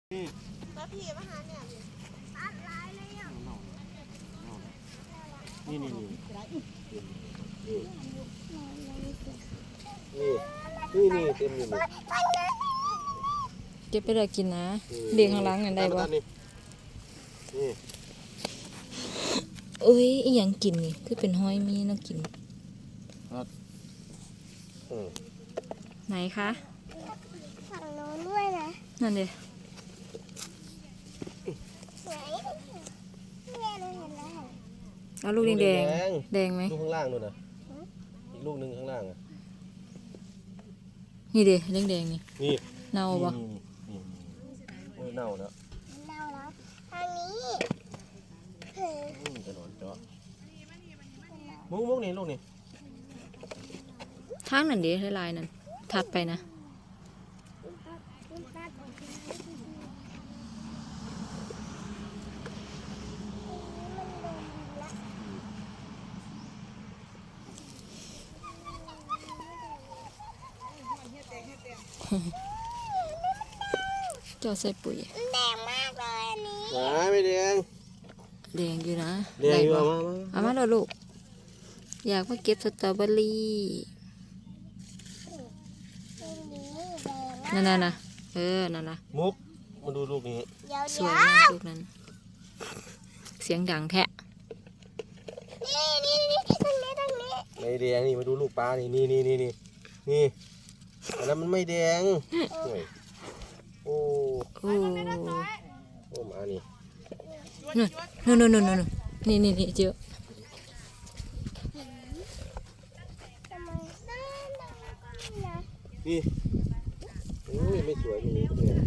แล้วพี่มาหาเนี่ยตัดลายเลยอ่ะนี่เต็มอยู่นี่เก็บไปเลยกินนะเลี้ยงข้างหล่างนั่นได้บ่เอ้ยอีหยังกินนี่คือเป็นห้อยมีน่ากินไหนคะฝั่งโน้นด้วยนะนั่นเด้สวยแม่เราเห็นแล้วเอาลูกแดงแดงไหมลูกข้างล่างนู่นนะอีกลูกหนึ่งข้างล่างอ่ะนี่เด้แดงนี่นี่เน่าบ่เน่าแล้วเน่าแล้วทางนี้จะนอนเจาะมุกนี่ลูกนี่ทางนั่นเด้ลายนั่นถัดไปนะเจ้าใส่ปุ๋ยแดงมากเลยอันนี้ไม่แดงแดงอยู่นะแดงอยู่เอามาลูกอยากมาเก็บสตรอเบอรี่นั่นนะนั่นนะมุกมาดูลูกนี้สวยมากลูกนั้นเสียงดังแทะนี่ตรงนี้ไม่แดงนี่มาดูลูกปลานี่อันนั้นมันไม่แดงโอ้มานี่นู่นนี่เจอนี่ไม่สวยนี่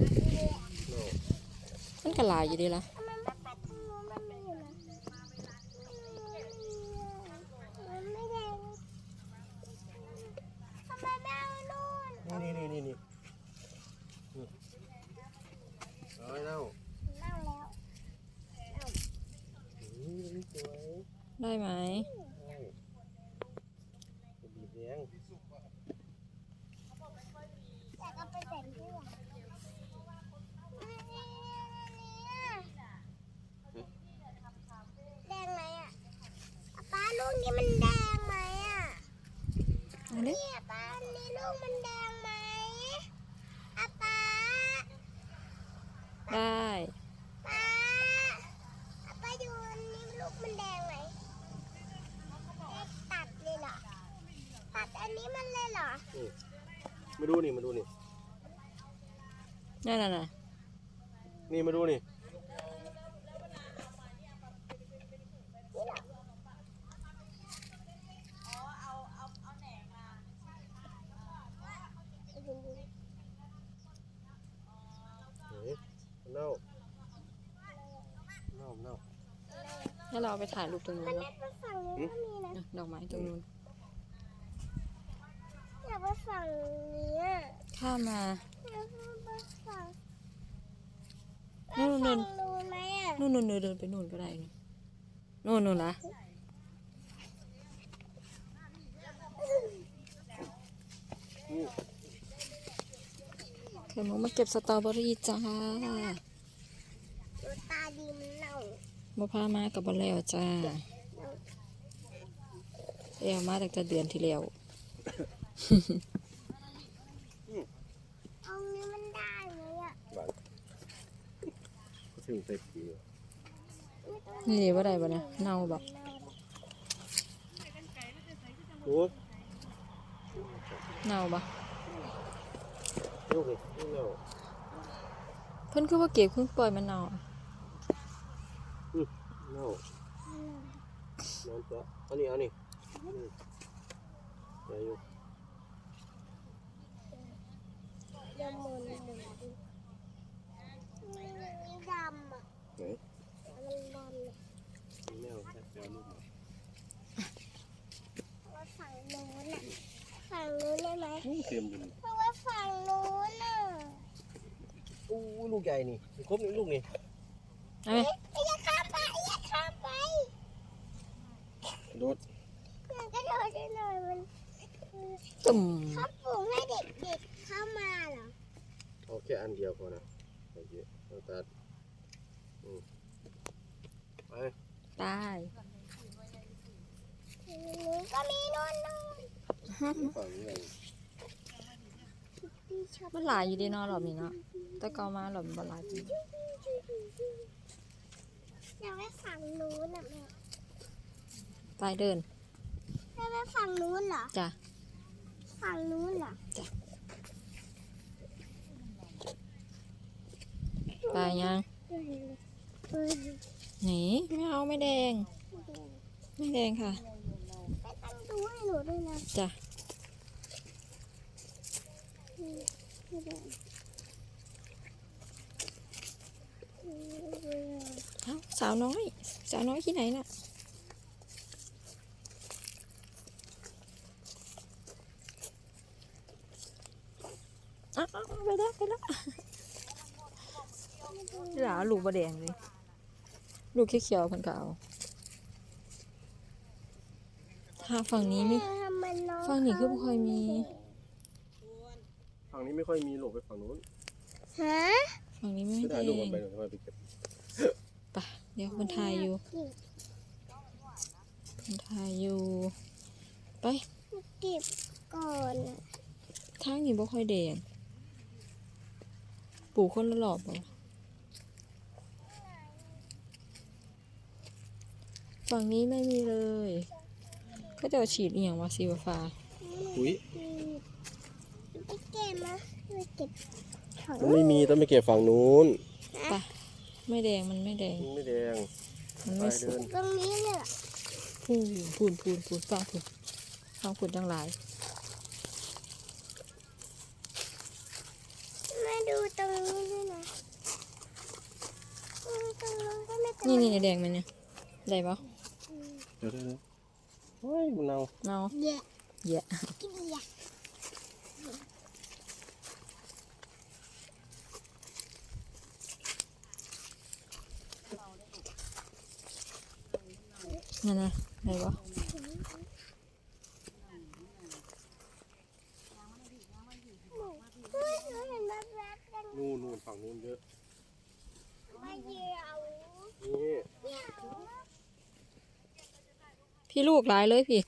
มันกระลายอยู่ดีละนี่เน่าได้ไหมบีบแดงแต่ก็ไปแต่งที่หลังแดงไหมอ่ะป้าลูกนี้มันแดงไหมอ่ะนี่ป้านี่ลูกมันแดงไหมป้าได้ป้าอยู่นี่ลูกมันแดงไหมตัดเลยเหรอตัดอันนี้มันเลยเหรอมาดูนี่นั่นนี่มาดูนี่เน่าให้เราไปถ่ายรูปตรงนู้นเนาะฝั่งนู้นก็มีนะดอกไม้ตรงนู้นอยากไปฝั่งนี้อ่ะข้ามมาอยากไปฝั่งนู่นไหมอ่ะนู่นเดินไปนู่นก็ได้นู่นนะเข็มมาเก็บสตรอเบอรี่จ้าตาดีมันเน่ามาพามากับบอลแล้วจ้ามาตั้งแต่เดือนที่แล้วเอานี้มันได้ไหมอ่ะถึงใส่ปุ๋ยนี่ว่าได้ปะเนี่ยเน่าแบบเน่าปะเพิ่นคือว่าเก็บเพิ่งปล่อยมันเน่าเน่านอนเจาะเอานี่ใจอยู่ดำมันดำอ่ะมันดำเลยแมวแค่ลูกว่าฝั่งนู้นอ่ะฝั่งนู้นได้ไหมเต็มอยู่เพราะว่าฝั่งนู้นอ่ะลูกใหญ่นี่ครบลูกนี่อย่าข้ามไปโดดมันก็โดดได้เลยมันตุ่มเขาปลูกให้เด็กๆเข้ามาเหรอเอาแค่อันเดียวพอนะตัดไปตายก็มีนู่นฝั่งนี้ไงมันหลายอยู่ดีเนาะรอบนี้เนาะแต่เก่ามารอบนี้บ่หลายปานใดอยากไปฝั่งนู้นอ่ะแม่ไปเดินไปฝั่งนู้นเหรอจ้ะฝั่งนู้นเหรอไปยังหนีไม่เอาไม่แดง ไม่แดงค่ะไปตั้งดูให้หนูด้วยนะจ้ะไม่ได้เอ้าสาวน้อย สาวน้อยที่ไหนน่ะอ้าวไปแล้วไปแล้วหลาลูกบะแดงเลย ลูกเขียวๆเพิ่นก็เอาถ้าฝั่งนี้ไม่ ฝั่งนี้คือบ่ค่อยมีฝั่งนี้ไม่ค่อยมีหลบไปฝั่งนู้นฮะฝั่งนี้ไม่จะแดถ่ายรูปงมันไปหน่อยไปเก็บไปเดี๋ยวคนถ่ายอยู่คนถ่ายอยู่ ไปเก็บก่อนอะทางนี้บ่ค่อยแดงปลูกคนละรอบบ่ฝั่งนี้ไม่มีเลยก็จะฉีดอีหยังวะสีฟ้าอุ้ยไปเก็บมาไปเก็บของมันไม่มีต้องไปเก็บฝั่งนู้นไปไม่แดงมันไม่แดงมันไม่แดงมันไปไม่สุเดิกนตรงนี้เลยเหรอพูนฟังพูนจังหลายมาดูตรงนี้ด้วยนะตรงนู้นก็ไม่ตรงนี่แดงมันเนี่ยได้ปะเดี๋ยวเฮ้ยมันเอาเนาแย่เยอะกินแย่นั่นนะได้ปะเฮ้ยหนูเห็นแบบแบบๆกันนู่นฝั่งนู้นเยอะมาเหยี่ยวนี่เหยี่ยวพี่ลูกหลายเลยพี่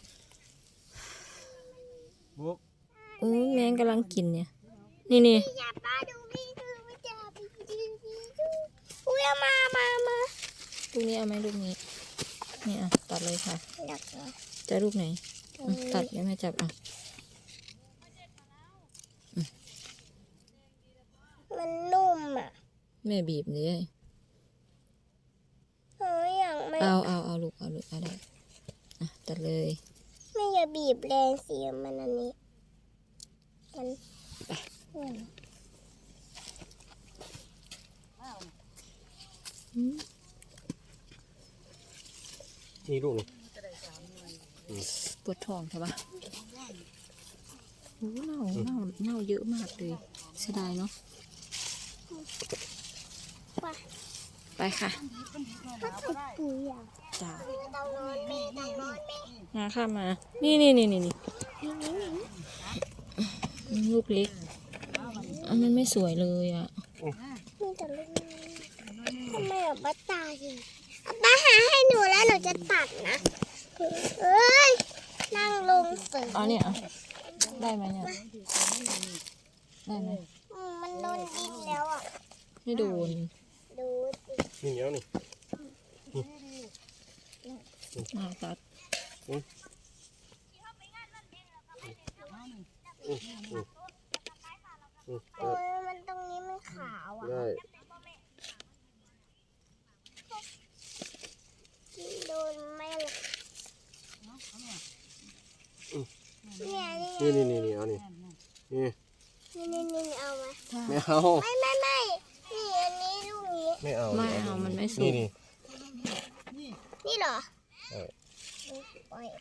บุ๊กแมงกำลังกินเนี่ยนี่อย่าป้าดูพี่ดูไม่จับพี่ดูอุ้ยเอามาลูกนี้เอาไหมลูกนี้นี่อ่ะตัดเลยค่ะดักเหรอจะลูกไหนตัดแล้วแม่จับอ่ะมันนุ่มอ่ะแม่บีบเลยหนูอยากไม่เอาลูกเอาได้อ่ะตัดเลยไม่อย่าบีบแรงเสียมันอันนี้มันอืมนี่ลูกนี่ปวดท้องใช่ปะโอ้เน่าเยอะมากเลยเสียดายเนาะไปไปค่ะถ้าใส่ปุ๋ยอ่ะจ้าต้องนอนแม่ต้องนอนแม่มาค่ะมานี่ลูกเล็กมันไม่สวยเลยอ่ะมีแต่ลูกทำไมอ่ะป้าตายสิป้าหาให้หนูแล้วหนูจะตัดนะเอ้ยนั่งลงเสืออ๋อเนี่ยได้ไหมเนี่ยได้ไหมมันโดนดินแล้วอ่ะไม่โดนดูสินี่เหนียวนี่ตัดโอ้ยมันตรงนี้มันขาวอ่ะได้โดนแม่เลยเนี่ยนี่เอานี่นี่นี่เอามาไม่เอาไม่นี่อันนี้ลูกนี้ไม่เอาไม่เอามันไม่สุนี่กนี่เหรอเออปล่อย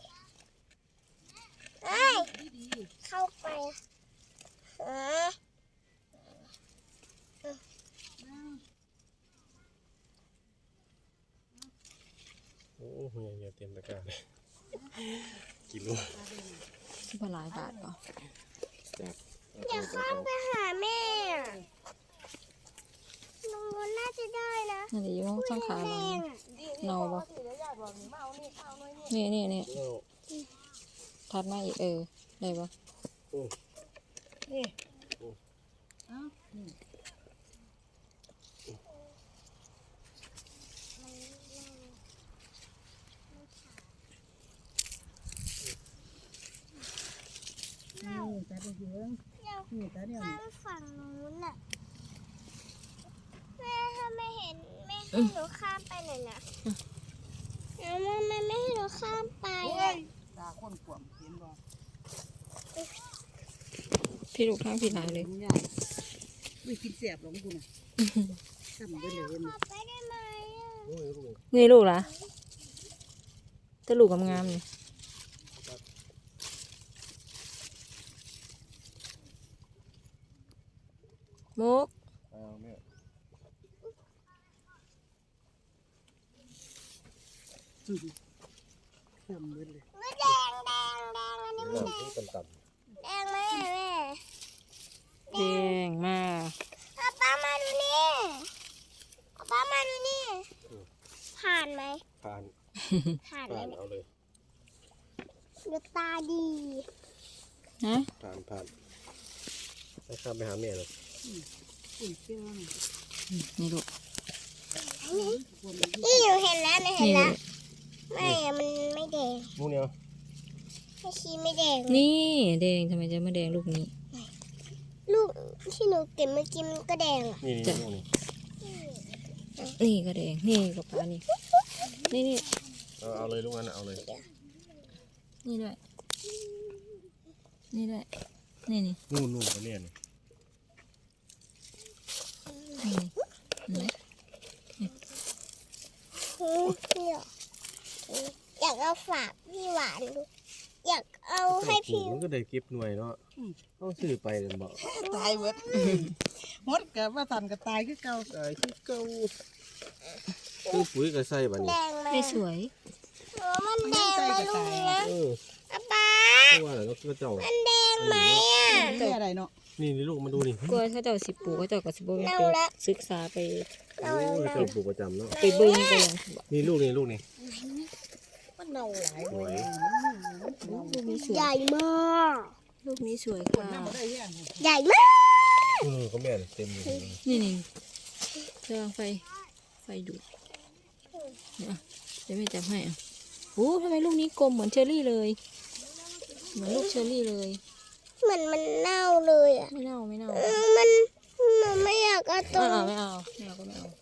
เอ้ยเข้าไปอ่ะโอ้โหใหญ่เต็มตะกร้าเลยกินลูกสิบหลายบาทก่อนอย่าข้ามไปหาแม่อะมันน่าจะได้นะนั่นเดี๋ยวช่องขาแดเรางอ่ะเนาบ่นี่เอาทัดมาอีกได้ปะนี่ ตาเยอะเดี๋ยวนี่ตาเนี่ยข้างฝั่งนู้นน่ะแม่ถ้าไม่เห็นแม่ให้หนูข้ามไปหน่อยนะแล้วแม่ไม่ให้หนูข้ามไปอ่ะตาคนขวมเห็นบ่พี่ลูกข้างพี่หลายเลยมันยากไม่กินเสียบหรอกคุณน่ะทำไปเลยขอไปได้ไหมอ่ะโอ้ยลูกนี่ลูกล่ะจะลูกงามๆนี่มุกเอาแม่ทำไปเลยไม่แดงอันนี้เริ่มที่ต่ำแดงไหมอ่ะแม่แดงมากเอาป้ามาดูนี่เอาป้ามาดูนี่ผ่านไหมๆผ่านผ่านไหมผ่านเนี่ยเอาเลยดูตาดีฮะผ่านให้ข้ามไปหาแม่เลยอุ่นเชื่อนี่ลูกนี่หนูเห็นแล้วหนูเห็นนี่แล้วไม่อะมันไม่แดงลูกเนี้ยไม่ชี้ไม่แดงนี่แดงทำไมจะไม่แดงลูกนี้ลูกที่หนูเก็บเมื่อกี้มันก็แดงอ่ะนี่จ้ะลูกนี่นี่ก็แดงนี่กับปลานี่นี่เอาเลยลูกนั้นเอาเลยนี่ด้วยนี่ด้วยนี่นู่นก็แม่นี่เห็นไหมเนี่ยอยากเอาฝากพี่หวานดูอยากเอาให้พี่มันก็ได้เก็บหน่วยเนาะต้องซื้อไปเลยบอกตายเวิร์ดมดกับว่าสันกับตายคือเก่าไอ้ที่เก่าซื้อปุ๋ยก็ใส่บัดแดนี้งไหมไม่สวยมันแดงไหมลูกนี้นะเอออาป๊าเพราะว่าแล้วก็เจ้ามันแดงไหมอ่ะไม่อะไรเนาะนี่ลูกมาดูนี่กลัวเขาเจ้าสิปลูกเขาเจ้าก็สิบ่ไปเน่าละศึกษาไปโอ้ยเจ้าปลูกประจำเนาะไปเบิ่งไปยังนี่ลูกนี่มันเน่าหลายโอ้ยลูกนี้สวยใหญ่มากลูกนี้สวยคนค่ะน้ำมาได้ยังใหญ่มากก็แม่เต็มเลยนี่ระวังไฟดูดเนี่ยเดี๋ยวแม่จับให้อ่ะโอ้ทำไมลูกนี้กลมเหมือนเชอรี่เลย เหมือนลูกเชอรี่เลยเหมือนมันเน่าเลยอ่ะไม่เน่ามันหนูไม่อยากเอาตรงไม่เอาก็ไม่เอา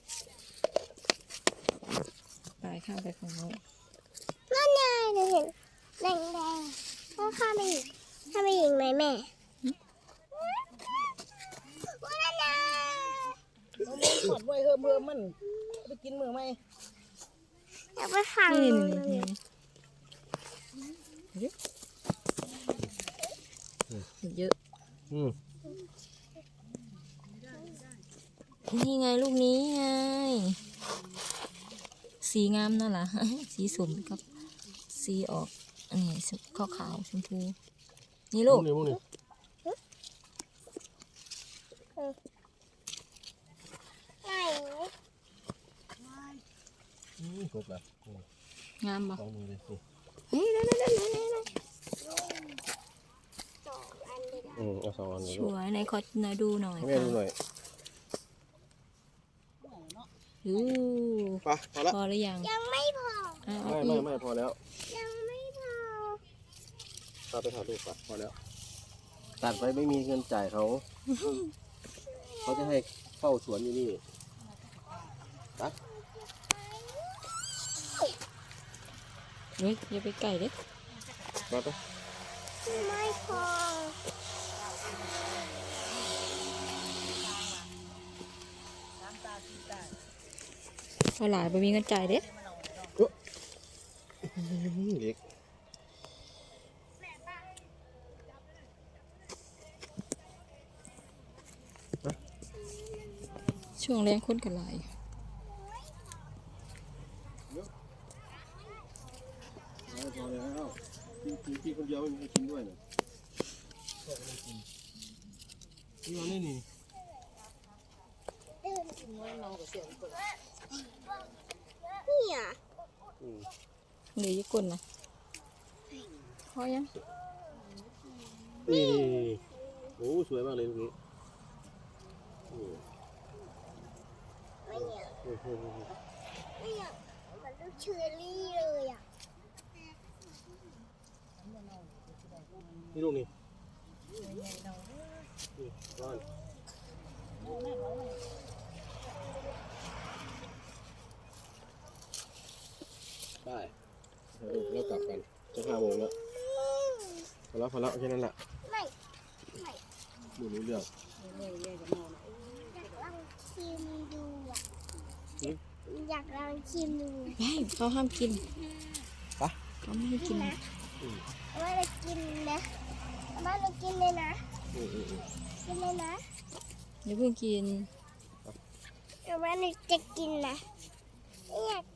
ไปข้ามไปฝั่งโน้นนั่นไงหนูเห็นแดงต้องข้ามไปอีกข้ามไปอีกไหมแม่ว้าวนะถอดไว้เพิ่มมันไปกินมือไหมอยากไปฝั่งนี่นู้นเยอะอืมนี่ไงลูกนี้ไง สีงามนั่นแหละ สีสมกับสีออกอันนี้ขาวชมพูนี่ลูกนี่นี่ไหนครบแล้วงามปะสองมือเลยสิเฮ้ยนั่นสองอันเลยนะเอาสองอันเลยสวยไหนขอหน่อยดูหน่อยให้แม่ดูหน่อยดูไปพอละพอหรือยังยังไม่พอเอาอีกไม่พอแล้วยังไม่พอตาไปถ่ายรูปปะพอแล้ว ตัดไปไม่มีเงินจ่ายเขา เขาจะให้เฝ้าสวนอยู่นี่นะเฮ้ยอย่าไปไก่เด้มาไปไม่พอพอหลายไปมีเงินจ่ายเด้เด็กช่วงแรงคนกันหลายพอแล้วพี่คนเดียวไม่มีใครกินด้วยนะนี่นี่นี่อ่ะอืมหรือญี่ปุ่นนะพอยังนี่โอ้สวยมากเลยตรงนี้อืมไม่เนี่ยอืมอืมอืมไม่เนี่ยเหมือนลูกเชอร์รี่เลยอ่ะนี่ลูกนี่นี่ก้อนได้แล้วกลับกันจะ5 โมงแล้วพอแล้วแค่นั้นแหละไม่ดูรู้เรื่องอยากลองชิมดูอ่ะอืมอยากลองชิมดูไม่เขาห้ามกินไปเขาไม่ให้กินนะอืมเอามาเลยกินนะเอามาเลยกินเลยนะอืมอืมอืมกินเลยนะเดี๋ยวเพิ่งกินเอามาเลยจะกินนะไม่อยาก